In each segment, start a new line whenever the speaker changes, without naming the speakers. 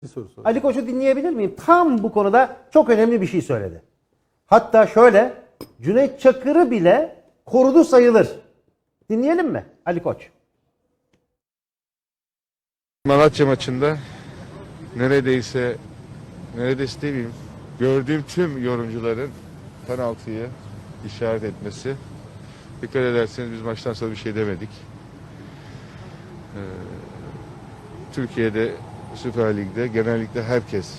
Bir soru sor.
Ali Koç'u dinleyebilir miyim? Tam bu konuda çok önemli bir şey söyledi. Hatta şöyle, Cüneyt Çakır'ı bile korudu sayılır. Dinleyelim mi Ali Koç?
Malatya maçında neredeyse demeyeyim, gördüğüm tüm yorumcuların penaltıyı işaret etmesi. Dikkat ederseniz biz maçtan sonra bir şey demedik. Türkiye'de Süper Lig'de genellikle herkes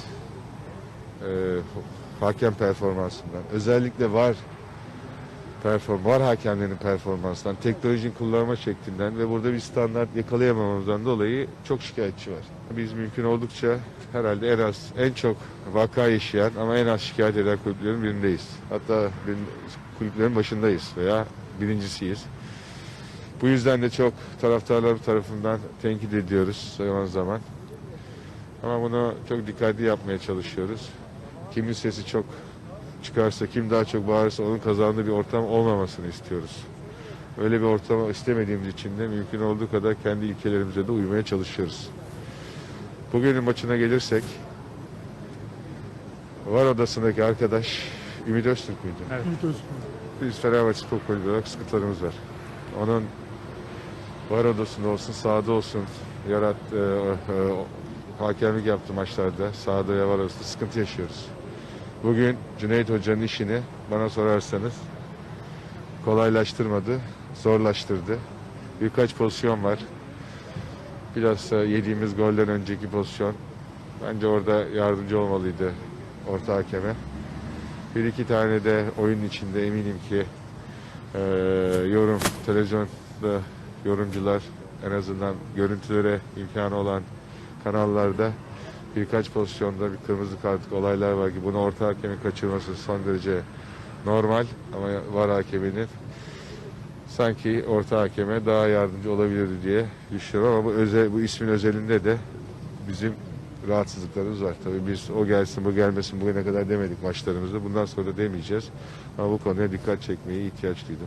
hakem performansından, özellikle var hakemlerin performansından, teknolojinin kullanma şeklinden ve burada bir standart yakalayamamamızdan dolayı çok şikayetçi var. Biz mümkün oldukça herhalde en çok vaka yaşayan ama en az şikayet eden kulüplerin birindeyiz. Hatta kulüplerin başındayız veya birincisiyiz. Bu yüzden de çok taraftarlar tarafından tenkit ediyoruz zaman zaman. Ama bunu çok dikkatli yapmaya çalışıyoruz. Kimin sesi çok çıkarsa, kim daha çok bağırırsa onun kazandığı bir ortam olmamasını istiyoruz. Öyle bir ortamı istemediğimiz için de mümkün olduğu kadar kendi ilkelerimize de uymaya çalışıyoruz. Bugünün maçına gelirsek, VAR odasındaki arkadaş Ümit Öztürk müydü?
Evet.
Biz Fenerbahçe Spor Kulübü olarak sıkıntılarımız var. Onun VAR odasında olsun, sahada olsun hakemlik yaptığı maçlarda sahada ve VAR odasında sıkıntı yaşıyoruz. Bugün Cüneyt Hoca'nın işini bana sorarsanız kolaylaştırmadı, zorlaştırdı. Birkaç pozisyon var. Bilhassa yediğimiz golden önceki pozisyon. Bence orada yardımcı olmalıydı orta hakeme. Bir iki tane de oyunun içinde eminim ki televizyonda yorumcular en azından görüntülere imkanı olan kanallarda birkaç pozisyonda bir kırmızı kartlık olaylar var ki bunu orta hakemin kaçırması son derece normal ama VAR hakeminin sanki orta hakeme daha yardımcı olabilirdi diye düşünüyorum ama bu ismin özelinde de bizim rahatsızlıklarımız var. Tabii biz o gelsin bu gelmesin bugüne kadar demedik maçlarımızda. Bundan sonra da demeyeceğiz. Ama bu konuya dikkat çekmeye ihtiyaç duydum.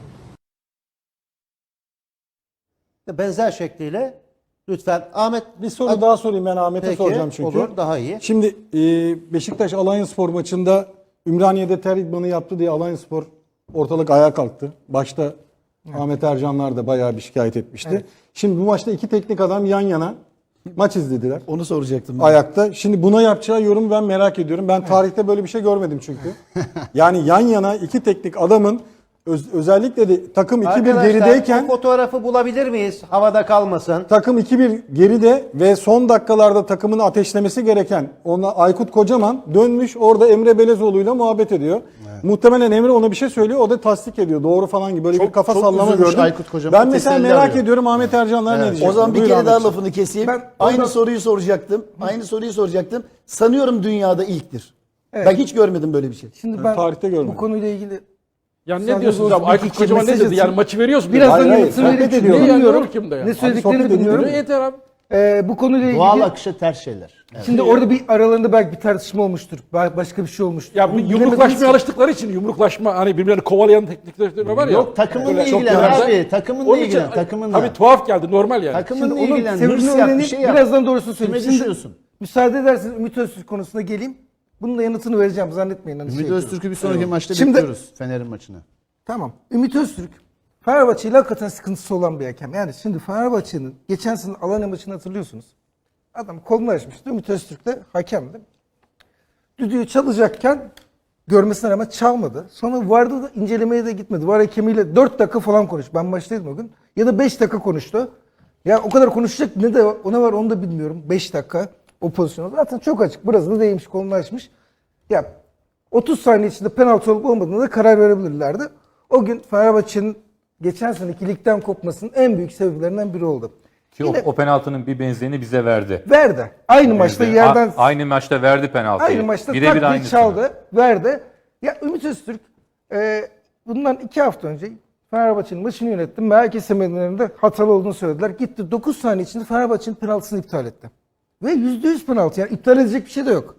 Benzer şekliyle lütfen Ahmet
Bir soru daha sorayım, ben Ahmet'e
Peki,
soracağım çünkü.
olur, daha iyi.
Şimdi Beşiktaş Alanyaspor maçında Ümraniye'de ter idmanı yaptı diye Alanyaspor ortalık ayağa kalktı. Başta Ahmet Ercanlar da bayağı bir şikayet etmişti.
Evet.
Şimdi bu maçta iki teknik adam yan yana maç izlediler.
Onu soracaktım.
Ayakta. Şimdi buna yapacağı yorum ben merak ediyorum. Ben tarihte böyle bir şey görmedim çünkü. Yani yan yana iki teknik adamın özellikle de takım 2-1
Arkadaşlar,
gerideyken
o fotoğrafı bulabilir miyiz? Havada kalmasın.
takım 2-1 geride ve son dakikalarda takımını ateşlemesi gereken Aykut Kocaman dönmüş orada Emre Belezoğlu'yla muhabbet ediyor. Muhtemelen Emre ona bir şey söylüyor, o da tasdik ediyor. Doğru falan gibi böyle bir kafa sallama
üzülmüş
gördüm.
Aykut Kocaman,
Ben mesela
teselli
merak
arıyor.
ediyorum Ahmet Ercanlar ne diyecek?
O zaman bir
Buyur
kere daha
Ahmetciğim.
lafını keseyim.
Ben
Aynı
oradan-
soruyu soracaktım. Aynı soruyu soracaktım. Sanıyorum dünyada ilktir.
Evet.
Ben hiç görmedim böyle bir şey.
Şimdi ben
tarihte görmedim.
bu konuyla ilgili
Yani
Sen
ne diyorsunuz
de
abi? Aykut
iki
Kocaman ne
mesaj
dedi?
atayım.
Yani maçı veriyorsun.
birazdan
Hayır,
yanıtını
sohbet
vereyim.
ediyorum.
Çünkü
Ne yani?
bilmiyorum.
Olur kimde yani?
Ne
sohbet
söylediklerini
ediyorum.
bilmiyorum.
Yeter abi.
Bu konuyla ilgili
Doğal akışı ters şeyler.
şimdi orada bir aralarında belki bir tartışma olmuştur. Başka bir şey olmuştur.
Ya bu
Bunu
yumruklaşmaya
bilemediğimiz-
alıştıkları için yumruklaşma hani birbirlerini kovalayan teknikler var ya.
Yok takımınla
Öyle çok
ilgilen
yaramaz.
abi. Takımınla
Onun için
ilgilen. Takımınla.
tabii tuhaf geldi normal yani.
Takımınla
Şimdi onun
ilgilen.
sebebini
Hırs yap bir
öğrenip
şey yap.
birazdan doğrusunu söyleyeyim.
Kime
Şimdi
düşüyorsun?
müsaade ederseniz Ümit Öztürk konusuna geleyim. Bunun da yanıtını vereceğim, zannetmeyin. Hani
Ümit
şey
Öztürk'ü bir sonraki maçta
Şimdi-
bekliyoruz. Fener'in maçına.
Tamam. Ümit Öztürk Fenerbahçe ile hakikaten sıkıntısı olan bir hakem. Yani şimdi Fenerbahçe'nin geçen sene Alanya maçını hatırlıyorsunuz. Adam kolunu açmıştı. Ümit Öztürk de hakemdi. Düdüğü çalacakken görmesine rağmen çalmadı. Sonra VAR'da da incelemeye de gitmedi. VAR hakemiyle 4 dakika falan konuştu. Ben maçtaydım o gün. Ya da 5 dakika konuştu. Ya o kadar konuşacak ne de ona var onu da bilmiyorum. 5 dakika o pozisyonda. Zaten çok açık. Burası da değmiş, kolunu açmış. Ya 30 saniye içinde penaltı olup olmadığına da karar verebilirlerdi. O gün Fenerbahçe'nin geçen seneki ligden kopmasının en büyük sebeplerinden biri oldu.
Ki
Yine
o penaltının bir benzerini bize verdi.
verdi. Aynı maçta yerden
Aynı maçta verdi penaltıyı.
aynı maçta
Birebir
tak diye
aynısını.
çaldı, verdi. Ya Ümit Öztürk bundan 2 hafta önce Fenerbahçe'nin maçını yönettim. Merkez semerlerinde hatalı olduğunu söylediler. Gitti 9 saniye içinde Fenerbahçe'nin penaltısını iptal etti. Ve %100 penaltı. Yani iptal edecek bir şey de yok.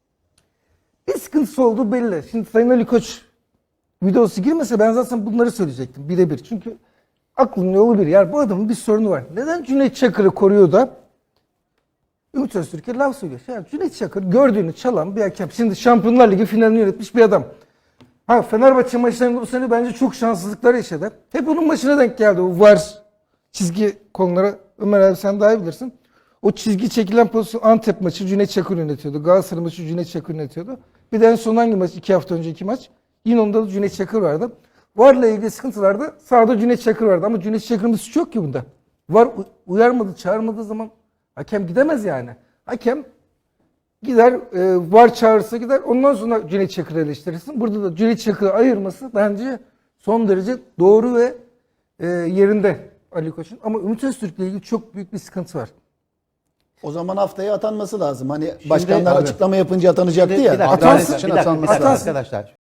Bir sıkıntısı olduğu belli. Şimdi Sayın Ali Koç videosu girmese ben zaten bunları söyleyecektim birebir. Çünkü aklın yolu bir. Yani bu adamın bir sorunu var. Neden Cüneyt Çakır'ı koruyor da Ümit Öztürk'e laf söylüyor. Ya Cüneyt Çakır gördüğünü çalan bir hakem. Şimdi Şampiyonlar Ligi finalini yönetmiş bir adam. Ha, Fenerbahçe maçlarında bu sene bence çok şanssızlıklar yaşadı. Hep onun maçına denk geldi. O VAR çizgi konulara. Ömer abi sen daha iyi bilirsin. O çizgi çekilen pozisyon Antep maçı Cüneyt Çakır yönetiyordu. Galatasaray maçı Cüneyt Çakır yönetiyordu. Bir de en son hangi maç? 2 hafta önceki maç. Yine onda da Cüneyt Çakır vardı. VAR'la ilgili sıkıntılarda sahada Cüneyt Çakır vardı. Ama Cüneyt Çakır'ın bir suçu yok ki bunda. VAR uyarmadı, çağırmadığı zaman hakem gidemez yani. Hakem gider, VAR çağırırsa gider. Ondan sonra Cüneyt Çakır'ı eleştirirsin. Burada da Cüneyt Çakır'ı ayırması bence son derece doğru ve yerinde Ali Koç'un. Ama Ümit Öztürk'le ilgili çok büyük bir sıkıntı var.
O zaman haftaya atanması lazım. Hani başkanlar
Abi.
açıklama yapınca atanacaktı
Bir
ya.
dakika,
Atanması
bir
için
dakika,
atanması
bir dakika
lazım.
arkadaşlar.